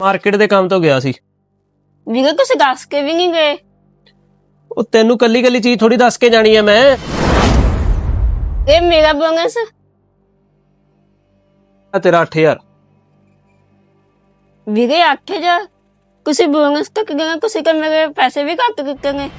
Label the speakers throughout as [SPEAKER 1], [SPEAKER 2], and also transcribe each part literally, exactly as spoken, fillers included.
[SPEAKER 1] Market ਦੇ ਕੰਮ ਤੋਂ ਗਿਆ ਸੀ।
[SPEAKER 2] ਵੀਰੇ ਤੁਸੀਂ ਦੱਸ ਕੇ ਵੀ ਨਹੀਂ ਗਏ।
[SPEAKER 1] ਉਹ ਤੈਨੂੰ ਕੱਲੀ ਕੱਲੀ ਚੀਜ਼ ਥੋੜੀ ਦੱਸ ਕੇ ਜਾਣੀ ਆ ਮੈਂ।
[SPEAKER 2] ਇਹ ਮੇਰਾ ਬੋਨਸ
[SPEAKER 1] ਆ ਤੇਰਾ ਅੱਠ ਹਜ਼ਾਰ।
[SPEAKER 2] ਵੀਰੇ ਅੱਠ ਹਜ਼ਾਰ ਤੁਸੀਂ ਬੋਨਸ ਤੱਕ ਗਏ, ਤੁਸੀਂ ਕਿ ਮੇਰੇ ਪੈਸੇ ਵੀ ਘੱਟ ਕੀਤੇ ਨੇ।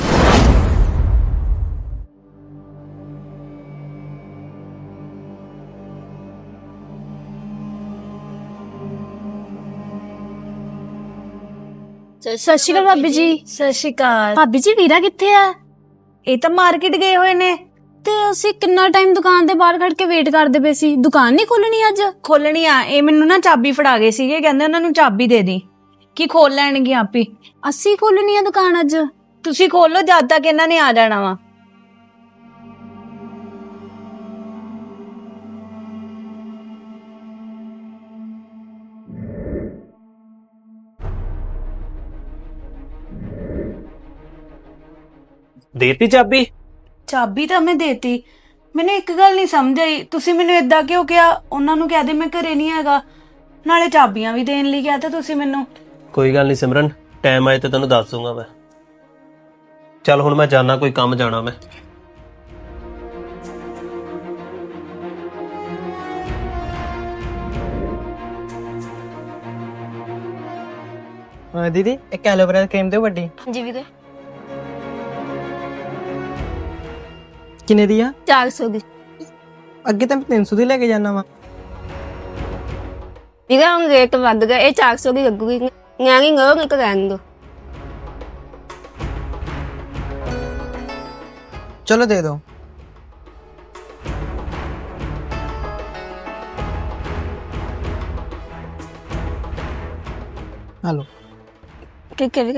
[SPEAKER 3] ਸਤਿ ਸ਼੍ਰੀ ਅਕਾਲ ਭਾਬੀ ਜੀ। ਸਤਿ ਸ਼੍ਰੀ ਅਕਾਲ ਭਾਬੀ ਜੀ। ਵੀਰਾ ਕਿੱਥੇ ਆ? ਇਹ ਤਾਂ ਮਾਰਕੀਟ ਗਏ ਹੋਏ ਨੇ। ਤੇ ਅਸੀਂ ਕਿੰਨਾ ਟਾਈਮ ਦੁਕਾਨ ਦੇ ਬਾਹਰ ਖੜ ਕੇ ਵੇਟ ਕਰਦੇ ਪਏ ਸੀ। ਦੁਕਾਨ ਨਹੀਂ ਖੋਲਣੀ ਅੱਜ?
[SPEAKER 4] ਖੋਲਣੀ ਆ। ਇਹ ਮੈਨੂੰ ਨਾ ਚਾਬੀ ਫੜਾ ਗਏ ਸੀਗੇ, ਕਹਿੰਦੇ ਉਹਨਾਂ ਨੂੰ ਚਾਬੀ ਦੇ ਦੀ ਕੀ ਖੋਲ ਲੈਣਗੇ ਆਪੇ।
[SPEAKER 3] ਅਸੀਂ ਖੋਲਣੀ ਆ ਦੁਕਾਨ ਅੱਜ?
[SPEAKER 4] ਤੁਸੀਂ ਖੋਲੋ, ਜਦ ਤੱਕ ਇਹਨਾਂ ਨੇ ਆ ਜਾਣਾ ਵਾ।
[SPEAKER 1] ਦੇਤੀ ਚਾਬੀ?
[SPEAKER 4] ਚਾਬੀ ਤਾਂ ਮੈਂ ਦੇਤੀ। ਮੈਨੂੰ ਇੱਕ ਗੱਲ ਨਹੀਂ ਸਮਝ ਆਈ, ਤੁਸੀਂ ਮੈਨੂੰ ਏਦਾਂ ਕਿਉਂ ਕਿਹਾ? ਉਹਨਾਂ ਨੂੰ ਕਹਿ ਦੇ ਮੈਂ ਘਰੇ ਨਹੀਂ ਹੈਗਾ, ਨਾਲੇ ਚਾਬੀਆਂ ਵੀ ਦੇਣ ਲਈ ਕਿਹਾ ਤਾਂ ਤੁਸੀਂ ਮੈਨੂੰ।
[SPEAKER 1] ਕੋਈ ਗੱਲ ਨਹੀਂ ਸਿਮਰਨ, ਟਾਈਮ ਆਏ ਤੇ ਤੈਨੂੰ ਦੱਸ ਦੂੰਗਾ ਮੈਂ। ਚੱਲ ਹੁਣ ਮੈਂ ਜਾਣਾ, ਕੋਈ ਕੰਮ ਜਾਣਾ ਮੈਂ।
[SPEAKER 5] ਹਾਂ ਦੀਦੀ, ਇੱਕ ਐਲੋਵੇਰਾ ਕਰੀਮ ਦਿਓ ਵੱਡੀ।
[SPEAKER 2] ਜੀ ਵੀਰੇ
[SPEAKER 5] ਕਿੰਨੇ ਦੀ ਆ?
[SPEAKER 2] ਚਾਰ ਸੌ ਦੀ।
[SPEAKER 5] ਅੱਗੇ ਤਾਂ ਮੈਂ ਤਿੰਨ ਸੌ ਦੀ ਲੈ ਕੇ ਜਾਣਾ ਵਾ।
[SPEAKER 2] ਵੀਰੇ ਹੁਣ ਰੇਟ ਵੱਧ ਗਿਆ, ਇਹ ਚਾਰ ਸੌ ਦੀ ਲੱਗੂਗੀ। ਨਿਆਣੀ ngỡ ਨਹੀਂ ਕਰਾਂਗੇ ਦੋ।
[SPEAKER 5] ਚਲੋ ਦੇ ਦਿਓ। ਹਲੋ।
[SPEAKER 2] ਠੀਕ ਹੈ ਵੀਰੇ।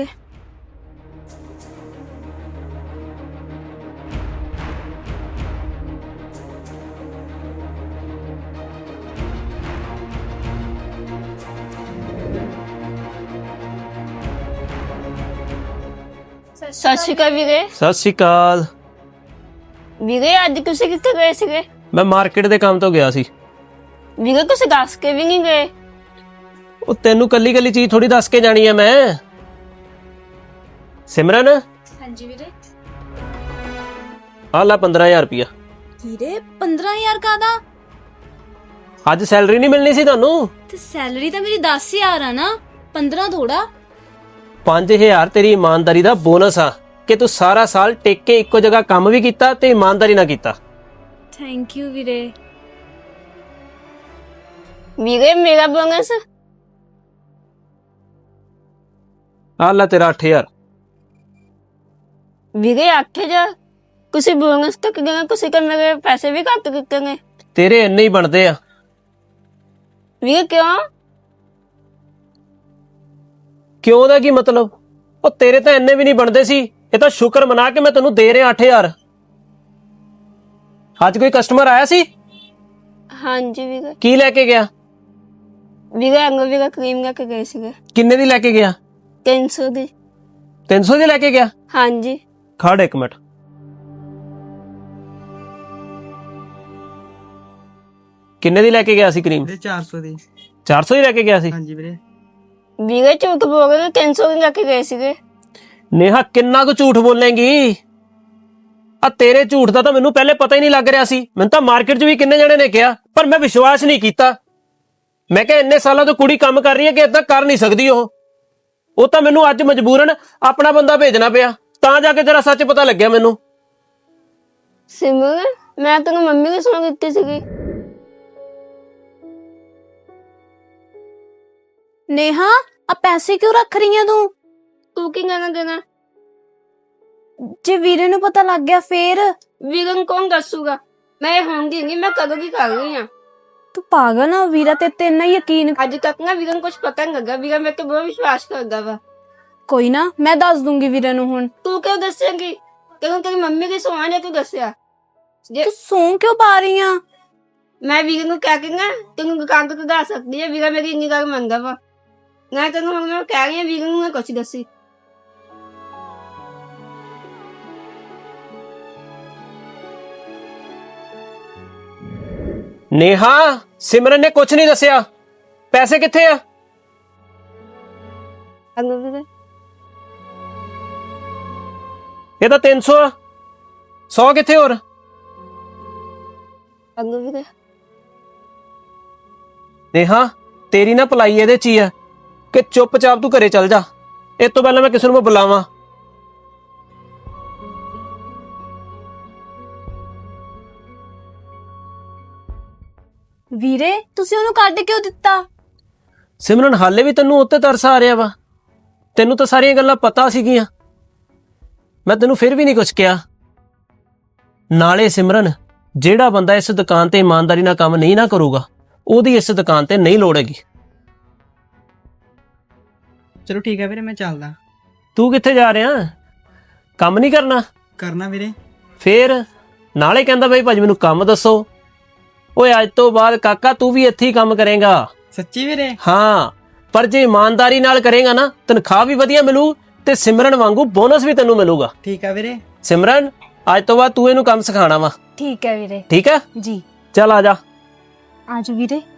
[SPEAKER 2] ਸਤਿ ਸ਼੍ਰੀ ਅਕਾਲ ਵੀਰੇ।
[SPEAKER 1] ਸਤਿ ਸ਼੍ਰੀ ਅਕਾਲ।
[SPEAKER 2] ਵੀਰੇ ਅੱਜ ਤੁਸੀਂ ਕਿੱਥੇ ਗਏ ਸੀਗੇ?
[SPEAKER 1] ਮੈਂ ਮਾਰਕੀਟ ਦੇ ਕੰਮ ਤੋਂ ਗਿਆ ਸੀ।
[SPEAKER 2] ਵੀਰੇ ਤੁਸੀਂ ਦੱਸ ਕੇ ਵੀ ਨਹੀਂ ਗਏ।
[SPEAKER 1] ਉਹ ਤੈਨੂੰ ਕੱਲੀ ਕੱਲੀ ਚੀਜ਼ ਥੋੜੀ ਦੱਸ ਕੇ ਜਾਣੀ ਆ ਮੈਂ। ਸਿਮਰਨ,
[SPEAKER 3] ਹਾਂਜੀ ਵੀਰੇ।
[SPEAKER 1] ਆ ਲੈ ਪੰਦਰਾਂ ਹਜ਼ਾਰ ਰੁਪਇਆ।
[SPEAKER 3] ਵੀਰੇ ਪੰਦਰਾਂ ਹਜ਼ਾਰ ਕਾਹਦਾ?
[SPEAKER 1] ਅੱਜ ਸੈਲਰੀ ਨਹੀਂ ਮਿਲਣੀ ਸੀ ਤੁਹਾਨੂੰ?
[SPEAKER 3] ਤੇ ਸੈਲਰੀ ਤਾਂ ਮੇਰੀ ਦਸ ਹਜ਼ਾਰ ਆ ਨਾ, ਪੰਦਰਾਂ ਥੋੜਾ।
[SPEAKER 1] ਪੰਜ ਹਜ਼ਾਰ ਤੇਰੀ ਇਮਾਨਦਾਰੀ ਦਾ ਬੋਨਸ ਆ ਕਿ ਤੂੰ ਸਾਰਾ ਸਾਲ ਟਿਕ ਕੇ ਇੱਕੋ ਜਗ੍ਹਾ ਕੰਮ ਵੀ ਕੀਤਾ ਤੇ ਇਮਾਨਦਾਰੀ ਨਾਲ ਕੀਤਾ।
[SPEAKER 3] ਥੈਂਕ ਯੂ ਵੀਰੇ।
[SPEAKER 2] ਵੀਰੇ ਮੇਰਾ ਬੋਨਸ
[SPEAKER 1] ਆ ਲੈ ਤੇਰਾ ਅੱਠ ਹਜ਼ਾਰ।
[SPEAKER 2] ਵੀਰੇ ਅੱਠ ਹਜ਼ਾਰ ਤੁਸੀਂ ਬੋਨਸ ਤੱਕ ਗਏ, ਤੁਸੀਂ ਕਿ ਮੇਰੇ ਪੈਸੇ ਵੀ ਘੱਟ ਕੀਤੇ ਨੇ।
[SPEAKER 1] ਤੇਰੇ ਇੰਨੇ ਹੀ ਬਣਦੇ ਆ।
[SPEAKER 2] ਵੀਰੇ ਕਿਉਂ?
[SPEAKER 1] ਕਿਉਂ ਦਾ ਕੀ ਮਤਲਬ? ਉਹ ਤੇਰੇ ਤਾਂ ਇੰਨੇ ਵੀ ਨਹੀਂ ਬਣਦੇ ਸੀ। ਇਹ ਤਾਂ ਸ਼ੁਕਰ ਮਨਾ ਕੇ ਮੈਂ ਤੈਨੂੰ ਦੇ ਰਿਹਾ ਅੱਠ ਹਜ਼ਾਰ। ਅੱਜ ਕੋਈ ਕਸਟਮਰ ਆਇਆ ਸੀ?
[SPEAKER 2] ਹਾਂਜੀ ਵੀਰੇ।
[SPEAKER 1] ਕੀ ਲੈ ਕੇ ਗਿਆ?
[SPEAKER 2] ਵੀਰੇ ਐਲੋਵੇਰਾ ਕਰੀਮ ਲੈ ਕੇ ਗਏ ਸੀਗੇ।
[SPEAKER 1] ਕਿੰਨੇ ਦੀ ਲੈ ਕੇ ਗਿਆ?
[SPEAKER 2] ਤਿੰਨ ਸੌ ਦੀ।
[SPEAKER 1] ਤਿੰਨ ਸੌ ਦੀ ਲੈ ਕੇ ਗਿਆ?
[SPEAKER 2] ਹਾਂਜੀ।
[SPEAKER 1] ਖੜ ਇੱਕ ਮਿੰਟ। ਕਿੰਨੇ ਦੀ ਲੈ ਕੇ ਗਿਆ ਸੀ ਕਰੀਮ?
[SPEAKER 5] ਵੀਰੇ ਚਾਰ ਸੌ ਦੀ।
[SPEAKER 1] ਚਾਰ ਸੌ ਦੀ ਲੈ ਕੇ ਗਿਆ ਸੀ?
[SPEAKER 5] ਹਾਂਜੀ ਵੀਰੇ।
[SPEAKER 2] ਵੀਰੇ ਝੂਠ ਬੋਲ ਰਹੇ, ਤਿੰਨ ਸੌ ਦੀ ਲੈ ਕੇ ਗਏ ਸੀਗੇ।
[SPEAKER 1] ਨੇਹਾ ਕਿੰਨਾ ਕੁ ਝੂਠ ਬੋਲੇਂਗੀ? ਆ ਤੇਰੇ ਝੂਠ ਦਾ ਤਾਂ ਮੈਨੂੰ ਪਹਿਲੇ ਪਤਾ ਹੀ ਨਹੀਂ ਲੱਗ ਰਿਹਾ ਸੀ। ਮੈਨੂੰ ਤਾਂ ਮਾਰਕੀਟ 'ਚ ਵੀ ਕਿੰਨੇ ਜਣੇ ਨੇ ਕਿਹਾ, ਪਰ ਮੈਂ ਵਿਸ਼ਵਾਸ ਨਹੀਂ ਕੀਤਾ। ਮੈਂ ਕਿਹਾ ਇੰਨੇ ਸਾਲਾਂ ਤੋਂ ਕੁੜੀ ਕੰਮ ਕਰ ਰਹੀ ਹੈ ਕਿ ਏਦਾਂ ਕਰ ਨਹੀਂ ਸਕਦੀ। ਉਹ ਉਹ ਤਾਂ ਮੈਨੂੰ ਅੱਜ ਮਜਬੂਰਨ ਆਪਣਾ ਬੰਦਾ ਭੇਜਣਾ ਪਿਆ, ਤਾਂ ਜਾ ਕੇ ਤੇਰਾ ਸੱਚ ਪਤਾ ਲੱਗਿਆ ਮੈਨੂੰ।
[SPEAKER 2] ਸਿਮਰਨ ਮੈਂ ਤੈਨੂੰ ਮੰਮੀ ਦੀ ਸੁਣ ਦਿੱਤੀ ਸੀਗੀ।
[SPEAKER 3] ਨੇਹਾ ਆ ਪੈਸੇ ਕਿਉਂ ਰੱਖ ਰਹੀ ਆ ਤੂੰ?
[SPEAKER 2] ਤੂੰ ਕੀ ਕਹਿਣਾ ਦੇਣਾ?
[SPEAKER 3] ਜੇ ਵੀਰੇ ਨੂੰ ਪਤਾ ਲੱਗ ਗਿਆ ਫੇਰ?
[SPEAKER 2] ਵੀਰੇ ਨੂੰ ਕੌਣ ਦੱਸੂਗਾ? ਮੈਂ ਹੋਂਗੀ ਨਹੀਂ, ਮੈਂ ਕਦੋਂ ਦੀ ਕਰ ਰਹੀ ਹਾਂ।
[SPEAKER 3] ਤੂੰ ਪਾਗਲ ਆ? ਵੀਰਾ ਤੇ ਤੇ ਇੰਨਾ ਯਕੀਨ।
[SPEAKER 2] ਅੱਜ ਤੱਕ ਨਾ ਵੀਰੇ ਨੂੰ ਕੁਝ ਪਤਾ ਨਹੀਂ ਲੱਗਾ। ਵੀਰਾ ਮੇਰੇ ਤੇ ਬਹੁਤ ਵਿਸ਼ਵਾਸ ਕਰਦਾ ਵਾ।
[SPEAKER 3] ਕੋਈ ਨਾ, ਮੈਂ ਦੱਸ ਦੂੰਗੀ ਵੀਰੇ ਨੂੰ ਹੁਣ।
[SPEAKER 2] ਤੂੰ ਕਿਉਂ ਦੱਸੇਂਗੀ? ਤੈਨੂੰ ਤੇਰੀ ਮੰਮੀ ਦੀ ਸੋਹਾਂ ਨੇ ਤੂੰ ਦੱਸਿਆ। ਜੇ
[SPEAKER 3] ਤੂੰ ਸੌਂ ਕਿਉਂ ਪਾ ਰਹੀ ਆ?
[SPEAKER 2] ਮੈਂ ਵੀਰੇ ਨੂੰ ਕਹਿ ਕੇ ਨਾ ਤੈਨੂੰ ਦੁਕਾਨ ਤੋਂ ਦੱਸ ਸਕਦੀ ਹੈ। ਵੀਰਾ ਮੇਰੀ ਇੰਨੀ ਗੱਲ ਮੰਨਦਾ ਵਾ। ਮੈਂ ਤੈਨੂੰ ਹੁਣ ਮੈਂ ਕਹਿ ਰਹੀ ਹਾਂ, ਵੀਰੇ ਨੂੰ ਨਾ ਕੁਛ ਦੱਸੀ।
[SPEAKER 1] ਨੇਹਾ, ਸਿਮਰਨ ਨੇ ਕੁਝ ਨਹੀਂ ਦੱਸਿਆ। ਪੈਸੇ ਕਿੱਥੇ ਆ?
[SPEAKER 2] ਅੰਗ ਵੀਰੇ
[SPEAKER 1] ਇਹ ਤਾਂ ਤਿੰਨ ਸੌ ਆ ਸੌ ਕਿੱਥੇ ਹੋਰ
[SPEAKER 2] ਅੰਗ ਵੀਰੇ
[SPEAKER 1] ਨੇਹਾ ਤੇਰੀ ਨਾ ਭਲਾਈ ਇਹਦੇ ਚ ਹੀ ਆ ਕਿ ਚੁੱਪਚਾਪ ਤੂੰ ਘਰੇ ਚੱਲ ਜਾ ਇਸ ਤੋਂ ਪਹਿਲਾਂ ਮੈਂ ਕਿਸੇ ਨੂੰ ਮੈਂ ਬੁਲਾਵਾਂ।
[SPEAKER 3] ਵੀਰੇ ਤੁਸੀਂ ਉਹਨੂੰ ਕੱਢ ਕਿਉਂ ਦਿੱਤਾ?
[SPEAKER 1] ਸਿਮਰਨ ਹਾਲੇ ਵੀ ਤੈਨੂੰ ਉੱਤੇ ਤਰਸ ਆ ਰਿਹਾ ਵਾ? ਤੈਨੂੰ ਤਾਂ ਸਾਰੀਆਂ ਗੱਲਾਂ ਪਤਾ ਸੀਗੀਆਂ, ਮੈਂ ਤੈਨੂੰ ਫਿਰ ਵੀ ਨਹੀਂ ਕੁਝ ਕਿਹਾ। ਨਾਲੇ ਸਿਮਰਨ ਜਿਹੜਾ ਬੰਦਾ ਇਸ ਦੁਕਾਨ ਤੇ ਇਮਾਨਦਾਰੀ ਨਾਲ ਕੰਮ ਨਹੀਂ ਨਾ ਕਰੂਗਾ ਉਹਦੀ ਇਸ ਦੁਕਾਨ ਤੇ ਨਹੀਂ ਲੋੜ ਹੈਗੀ।
[SPEAKER 5] ਚਲੋ ਠੀਕ ਹੈ ਵੀਰੇ, ਮੈਂ ਚੱਲਦਾ।
[SPEAKER 1] ਤੂੰ ਕਿੱਥੇ ਜਾ ਰਿਹਾ? ਕੰਮ ਨਹੀਂ ਕਰਨਾ?
[SPEAKER 5] ਕਰਨਾ ਵੀਰੇ।
[SPEAKER 1] ਫੇਰ ਨਾਲੇ ਕਹਿੰਦਾ ਬਈ ਭਾਜੀ ਮੈਨੂੰ ਕੰਮ ਦੱਸੋ। ਓਏ ਅੱਜ ਤੋਂ ਬਾਅਦ ਕਾਕਾ ਤੂੰ ਵੀ ਇੱਥੇ ਹੀ ਕੰਮ ਕਰੇਗਾ।
[SPEAKER 5] ਸੱਚੀ ਵੀਰੇ?
[SPEAKER 1] ਹਾਂ, ਪਰ ਜੇ ਇਮਾਨਦਾਰੀ ਨਾਲ ਕਰੇਗਾ ਨਾ ਤਨਖਾਹ ਵੀ ਵਧੀਆ ਮਿਲੂ ਤੇ ਸਿਮਰਨ ਵਾਂਗੂ ਬੋਨਸ ਵੀ ਤੈਨੂੰ ਮਿਲੂਗਾ।
[SPEAKER 5] ਠੀਕ ਆ ਵੀਰੇ।
[SPEAKER 1] ਸਿਮਰਨ ਅੱਜ ਤੋਂ ਬਾਅਦ ਤੂੰ ਇਹਨੂੰ ਕੰਮ ਸਿਖਾਣਾ ਵਾ।
[SPEAKER 3] ਠੀਕ ਹੈ ਵੀਰੇ।
[SPEAKER 1] ਠੀਕ ਹੈ
[SPEAKER 3] ਜੀ
[SPEAKER 1] ਚੱਲ ਆ ਜਾ।
[SPEAKER 3] ਆਜੋ ਵੀਰੇ।